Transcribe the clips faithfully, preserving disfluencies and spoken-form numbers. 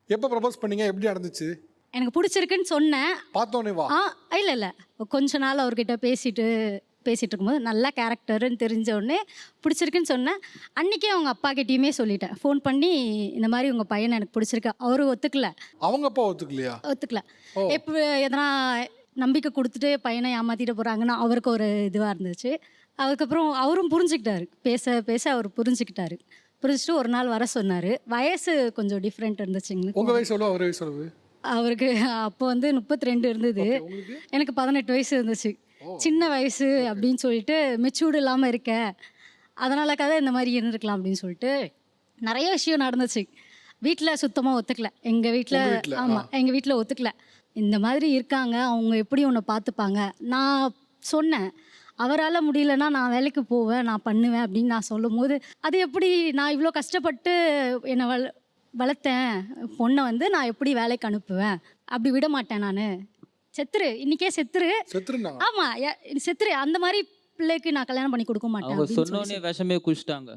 எப்போ ப்ரப்போஸ் பண்ணீங்க? எப்படி நடந்துச்சு? எனக்கு பிடிச்சிருக்குன்னு சொன்னேன். பார்த்தோன்னே வா? ஆ இல்லை இல்லை கொஞ்ச நாள் அவர்கிட்ட பேசிட்டு பேசிகிட்டு இருக்கும்போது நல்லா கேரக்டருன்னு தெரிஞ்ச உடனே பிடிச்சிருக்குன்னு சொன்னேன். அன்றைக்கே அவங்க அப்பா கிட்டேயுமே சொல்லிட்டேன். ஃபோன் பண்ணி இந்த மாதிரி உங்கள் பையனை எனக்கு பிடிச்சிருக்கு. அவரும் ஒத்துக்கல. அவங்க அப்பா ஒத்துக்கலையா? ஒத்துக்கல. எப்போ எதனா நம்பிக்கை கொடுத்துட்டு பையனை ஏமாற்றிட்டு போகிறாங்கன்னா அவருக்கு ஒரு இதுவாக இருந்துச்சு. அதுக்கப்புறம் அவரும் புரிஞ்சுக்கிட்டாரு. பேச பேச அவர் புரிஞ்சுக்கிட்டாரு. புரிஞ்சுட்டு ஒரு நாள் வர சொன்னார். வயசு கொஞ்சம் டிஃப்ரெண்ட் இருந்துச்சுங்க. உங்கள் வயசு எவ்வளோ? அவர் வயசு எவ்வளவு? அவருக்கு அப்போ வந்து முப்பத்தி ரெண்டு இருந்தது. எனக்கு பதினெட்டு வயசு இருந்துச்சு. சின்ன வயசு அப்படின்னு சொல்லிட்டு மெச்சூர்டு இல்லாமல் இருக்க, அதனால கதை இந்த மாதிரி இருந்திருக்கலாம் அப்படின்னு சொல்லிட்டு நிறைய விஷயம் நடந்துச்சு. வீட்டில் சுத்தமாக ஒத்துக்கல. எங்கள் வீட்டில் ஆமாம் எங்கள் வீட்டில் ஒத்துக்கல. இந்த மாதிரி இருக்காங்க, அவங்க எப்படி உன்னை பார்த்துப்பாங்க. நான் சொன்னேன், அவரால் முடியலன்னா நான் வேலைக்கு போவேன், நான் பண்ணுவேன் அப்படின்னு நான் சொல்லும் போது, அது எப்படி நான் இவ்வளோ கஷ்டப்பட்டு என்னை வள வளர்த்தேன் பொண்ணை வந்து நான் எப்படி வேலைக்கு அனுப்புவேன்? அப்படி விட மாட்டேன் நான். செத்துரு, இன்னைக்கே செத்துரு. செத்துருண்ணா? ஆமாம் செத்துரு. அந்த மாதிரி பிள்ளைக்கு நான் கல்யாணம் பண்ணி கொடுக்க மாட்டேன். அவங்க சொன்னோடனே விஷமே குடிச்சிட்டாங்க.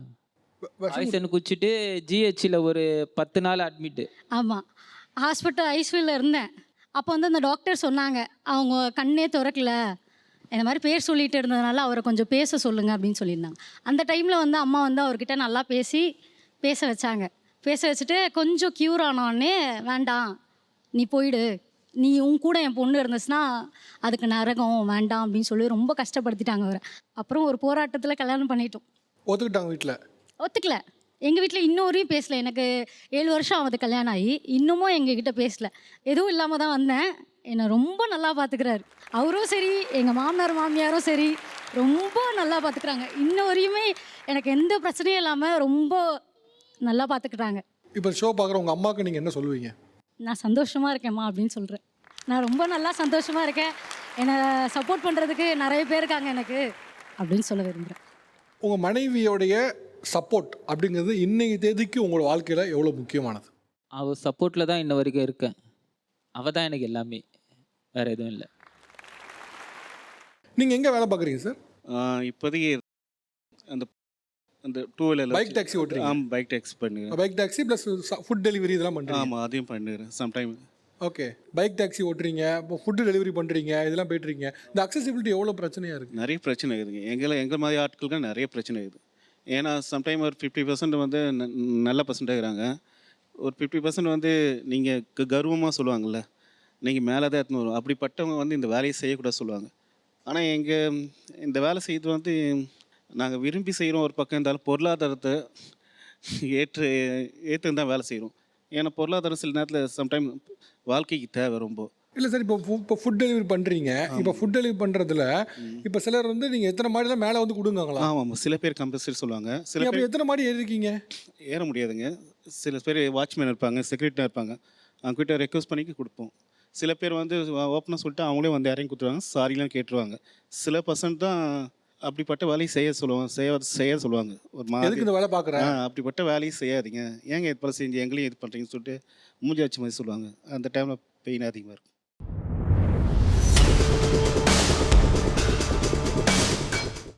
பாய்சன் குடிச்சிட்டு ஜிஹெச்சில் ஒரு பத்து நாள் அட்மிட்டு. ஆமாம், ஹாஸ்பிட்டல் ஐசியூவில் இருந்தேன். அப்போ வந்து அந்த டாக்டர் சொன்னாங்க, அவங்க கண்ணே திறக்கல, இந்த மாதிரி பேர் சொல்லிட்டு இருந்ததுனால அவரை கொஞ்சம் பேச சொல்லுங்கள் அப்படின்னு சொல்லியிருந்தாங்க. அந்த டைமில் வந்து அம்மா வந்து அவர்கிட்ட நல்லா பேசி பேச வச்சாங்க. பேச வச்சுட்டு கொஞ்சம் க்யூர் ஆனோடனே, வேண்டாம் நீ போயிடு, நீ உன் கூட என் பொண்ணு இருந்துச்சுன்னா அதுக்கு நரகம், வேண்டாம் அப்படின்னு சொல்லி ரொம்ப கஷ்டப்படுத்திட்டாங்க அவரை. அப்புறம் ஒரு போராட்டத்தில் கல்யாணம் பண்ணிட்டோம். ஒத்துக்கிட்டாங்க வீட்டில்? ஒத்துக்கல. எங்கள் வீட்டில் இன்னொரையும் பேசல. எனக்கு ஏழு வருஷம் ஆகுது கல்யாணம் ஆகி, இன்னமும் எங்ககிட்ட பேசலை. எதுவும் இல்லாமல் தான் வந்தேன். என்னை ரொம்ப நல்லா பார்த்துக்கிறாரு. அவரும் சரி, எங்கள் மாமனார் மாமியாரும் சரி, ரொம்ப நல்லா பார்த்துக்கிறாங்க. இன்ன வரையுமே எனக்கு எந்த பிரச்சனையும் இல்லாமல் ரொம்ப நல்லா பார்த்துக்கிறாங்க. இப்போ ஷோ பார்க்குற உங்கள் அம்மாவுக்கு நீங்கள் என்ன சொல்லுவீங்க? நான் சந்தோஷமாக இருக்கேம்மா அப்படின்னு சொல்கிறேன். நான் ரொம்ப நல்லா சந்தோஷமாக இருக்கேன், என்னை சப்போர்ட் பண்ணுறதுக்கு நிறைய பேர் இருக்காங்க எனக்கு அப்படின்னு சொல்ல விரும்புகிறேன். உங்கள் மனைவியோடைய சப்போர்ட் அப்படிங்கிறது இன்னைக்கு தேதிக்கு உங்களோட வாழ்க்கையில் எவ்வளோ முக்கியமானது? அவள் சப்போர்ட்டில் தான் இன்ன வரைக்கும் இருக்கேன். அவள் தான் எனக்கு எல்லாமே, வேறு எதுவும் இல்லை. நீங்கள் எங்கே வேலை பார்க்குறீங்க சார்? இப்போதைக்கு அந்த அந்த டூ வீலர் பைக் டாக்ஸி ஓட்டுறீங்க? ஆமாம், பைக் டாக்ஸி பண்ணுறேன். Bike taxi plus food delivery இதெல்லாம் பண்ணுறீங்க? ஆமாம், அதையும் பண்ணுறேன் சம்டைம். ஓகே, பைக் டாக்ஸி ஓட்டுறீங்க, இப்போ ஃபுட்டு டெலிவரி பண்ணுறீங்க, இதெல்லாம் போய்ட்டுருக்கீங்க. இந்த அக்சசிபிலிட்டி எவ்வளோ பிரச்சனையாக இருக்குது? நிறைய பிரச்சனை இருக்குதுங்க. எங்களை எங்கள் மாதிரி ஆட்களுக்கு நிறைய பிரச்சனை இருக்குது. ஏன்னா சம்டைம் ஒரு ஃபிஃப்டி பர்சன்ட் வந்து நல்ல பர்சன்ட்டாக இருக்கிறாங்க. ஒரு ஃபிஃப்டி பர்சன்ட் வந்து நீங்கள் கர்வமாக சொல்லுவாங்கள்ல, நீங்கள் மேலே தான் எடுத்துன்னு வரும், அப்படிப்பட்டவங்க வந்து இந்த வேலையை செய்யக்கூடாது சொல்லுவாங்க. ஆனால் எங்கள் இந்த வேலை செய்வது வந்து நாங்கள் விரும்பி செய்கிறோம். ஒரு பக்கம் இருந்தாலும் பொருளாதாரத்தை ஏற்று ஏற்று தான் வேலை செய்கிறோம். ஏன்னா பொருளாதாரம் சில நேரத்தில் சம்டைம் வாழ்க்கைக்கு தேவை ரொம்ப. இல்லை சார், இப்போ இப்போ ஃபுட் டெலிவரி பண்ணுறீங்க. இப்போ ஃபுட் டெலிவரி பண்ணுறதுல இப்போ சிலர் வந்து நீங்கள் எத்தனை மாடிலாம் மேலே வந்து கொடுங்காங்களா? ஆமாம், சில பேர் கம்பல்சரி சொல்லுவாங்க. சில பேர் எத்தனை மாடி ஏறிருக்கீங்க? ஏற முடியாதுங்க. சில பேர் வாட்ச்மேன் இருப்பாங்க, செக்யூரிட்டியாக இருப்பாங்க, அவங்ககிட்ட ரெக்வஸ்ட் பண்ணி கொடுப்போம். சில பேர் வந்து ஓப்பனாக சொல்லிட்டு அவங்களே வந்து இறங்கி கொடுத்துருவாங்க, சாரிலாம் கேட்டுருவாங்க. சில பர்சன்ட் தான் அப்படிப்பட்ட வேலையை செய்ய சொல்லுவாங்க, செய்ய செய்ய சொல்லுவாங்க. ஒரு மாதிரி இந்த வேலை பார்க்குறேன், அப்படிப்பட்ட வேலையை செய்யாதீங்க, ஏங்க இது போல செஞ்சு எங்களையும் இது பண்ணுறீங்கன்னு சொல்லிட்டு மூஞ்சி வச்ச மாதிரி சொல்லுவாங்க. அந்த டைமில் பெயின் அதிகமாக இருக்கும்.